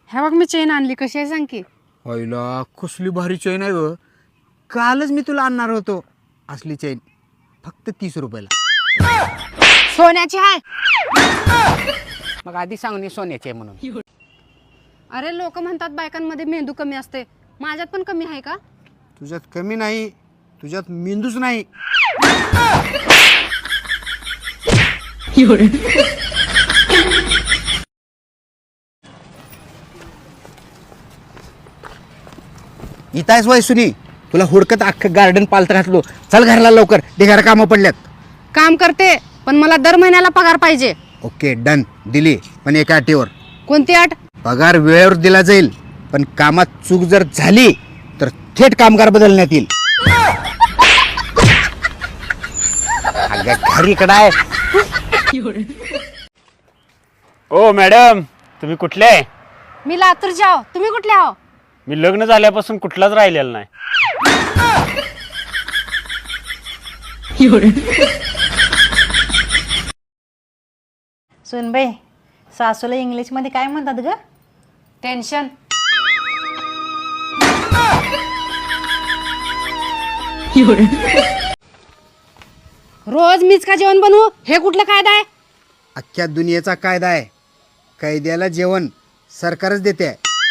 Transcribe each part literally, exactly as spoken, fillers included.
ह्या बघ मी चेन आणली, कशी आहे सांग की. होयला कसली भारी चैन आहे ग. कालच मी तुला आणणार होतो असली चैन, फक्त तीस रुपयाला. सोन्याची आहे. मग आधी सांगणे सोन्याची आहे म्हणून. अरे लोक म्हणतात बायकांमध्ये मेंदू कमी असते, माझ्यात पण कमी आहे का? तुझ्यात कमी नाही, तुझ्यात मेंदूच नाही. इथं आहेस वय सुनी, तुला हुडकत अख्खं गार्डन पालत घातलो. चल घरला लवकर, ढिगारा कामं पडल्यात. काम करते पण मला दर महिन्याला पगार पाहिजे. ओके डन, दिली पण एका अटीवर. कोणती अट? पगार वेळेवर दिला जाईल, पण कामात चूक जर झाली तर थेट कामगार बदलण्यात येईल. अगं घरी इकडं आहे. ओ मॅडम, तुम्ही कुठले आहे? मी लातूरचे आहो, तुम्ही कुठले आहो? मी लग्न झाल्यापासून कुठलाच राहिलेला नाही. सुनबाई, सासूला इंग्लिशमध्ये काय म्हणतात ग? टेन्शन. रोज मीच का जेवण बनवू? हे कुठलं कायदा आहे? अख्ख्या दुनियेचा कायदा आहे, कैद्याला जेवण सरकारच देते.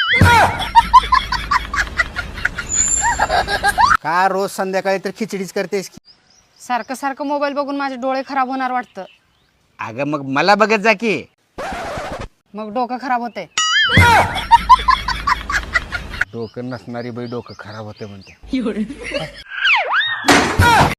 का रोज संध्याकाळी तर खिचडीच करतेस की? सारखं सारखं मोबाईल बघून माझे डोळे खराब होणार वाटतं. अगं मग मला बघत जा की. मग डोकं खराब होते. डोकं नसणारी बाई डोकं खराब होते म्हणते.